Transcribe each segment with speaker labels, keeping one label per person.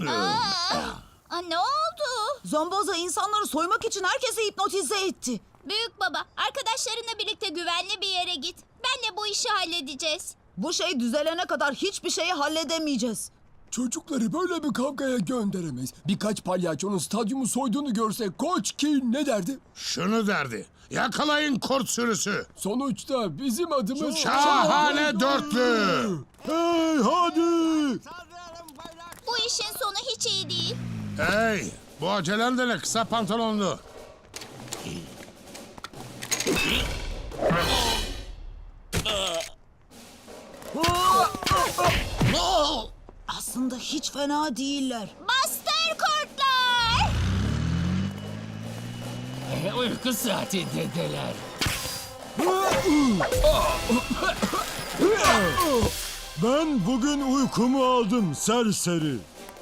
Speaker 1: Ne oldu?
Speaker 2: Zomboza insanları soymak için herkesi hipnotize etti.
Speaker 1: Büyük baba, arkadaşlarınla birlikte güvenli bir yere git. Benle bu işi halledeceğiz.
Speaker 2: Bu şey düzelene kadar hiçbir şeyi halledemeyeceğiz.
Speaker 3: Çocukları böyle bir kavgaya gönderemeyiz. Birkaç palyaçonun stadyumu soyduğunu görse Koç King ne derdi?
Speaker 4: Şunu derdi. Yakalayın kurt sürüsü.
Speaker 3: Sonuçta bizim adımız...
Speaker 4: Şahane dörtlü.
Speaker 3: Hey hadi!
Speaker 1: Bu işin sonu hiç iyi değil.
Speaker 4: Hey, bu acelen de ne kısa pantolonlu.
Speaker 2: Aslında hiç fena değiller.
Speaker 1: Bastır kurtlar!
Speaker 5: Uyku saatindeler.
Speaker 3: Ben bugün uykumu aldım serseri.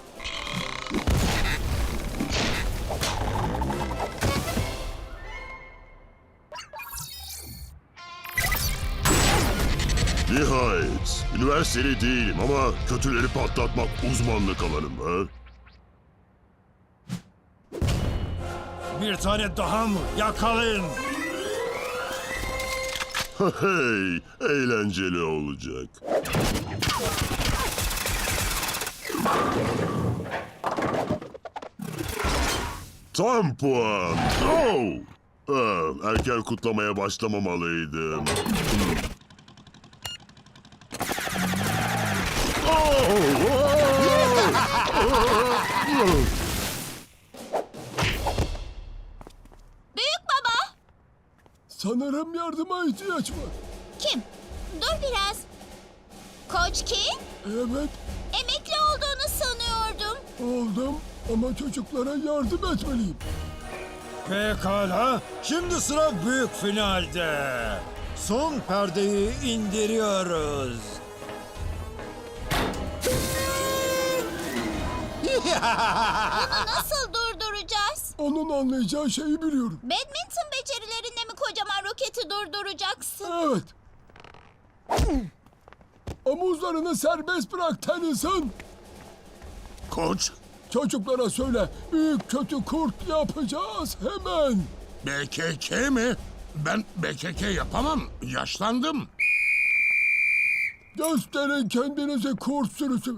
Speaker 6: Nihayet. Üniversiteli değilim ama kötüleri patlatmak uzmanlık alanım ha.
Speaker 3: Bir tane daha mı? Yakalayın.
Speaker 6: Hey, eğlenceli olacak. Tam puan. Oh! Erken kutlamaya başlamamalıydım.
Speaker 1: Büyük baba!
Speaker 3: Sanırım yardıma ihtiyaç var.
Speaker 1: Kim? Dur biraz. Koç kim?
Speaker 3: Evet,
Speaker 1: Emekli olduğunu sanıyordum.
Speaker 3: oldum ama çocuklara yardım etmeliyim.
Speaker 7: Pekala, şimdi sıra büyük finalde. Son perdeyi indiriyoruz.
Speaker 1: Nasıl durduracağız?
Speaker 3: Onun anlayacağı şeyi biliyorum.
Speaker 1: Badminton becerilerinle mi kocaman roketi durduracaksın?
Speaker 3: Evet. Omuzlarını serbest bırak Tennyson.
Speaker 4: Koç,
Speaker 3: Çocuklara söyle, büyük kötü kurt yapacağız hemen.
Speaker 4: BKK mi? Ben BKK yapamam. Yaşlandım.
Speaker 3: Gösterin kendinizi kurt sürüsü.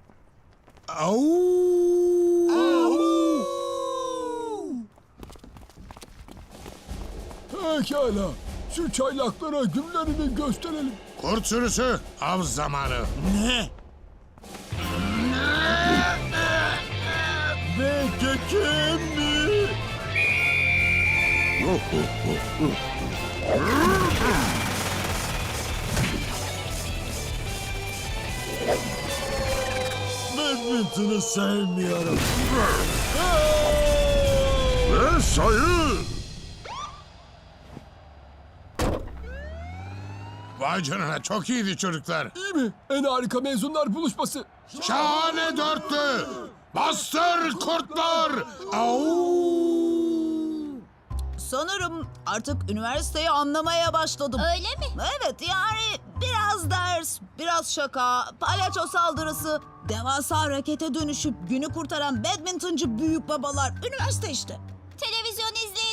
Speaker 3: Pekala, şu çaylaklara günlerini gösterelim.
Speaker 4: Kurt sürüsü, av zamanı.
Speaker 7: Ne?
Speaker 3: Belki kim mi?
Speaker 7: Badminton'u sevmiyorum.
Speaker 6: Ve sayı!
Speaker 4: Vay canına, çok iyiydi çocuklar.
Speaker 3: İyi mi? En harika mezunlar buluşması.
Speaker 4: Şahane dörtlü. Bastır kurtlar. Au!
Speaker 2: Sanırım artık üniversiteyi anlamaya başladım.
Speaker 1: Öyle mi?
Speaker 2: Evet, yani biraz ders, biraz şaka, palyaço saldırısı, devasa harekete dönüşüp günü kurtaran badmintoncu büyük babalar. Üniversite işte.
Speaker 1: Televizyon izleyelim.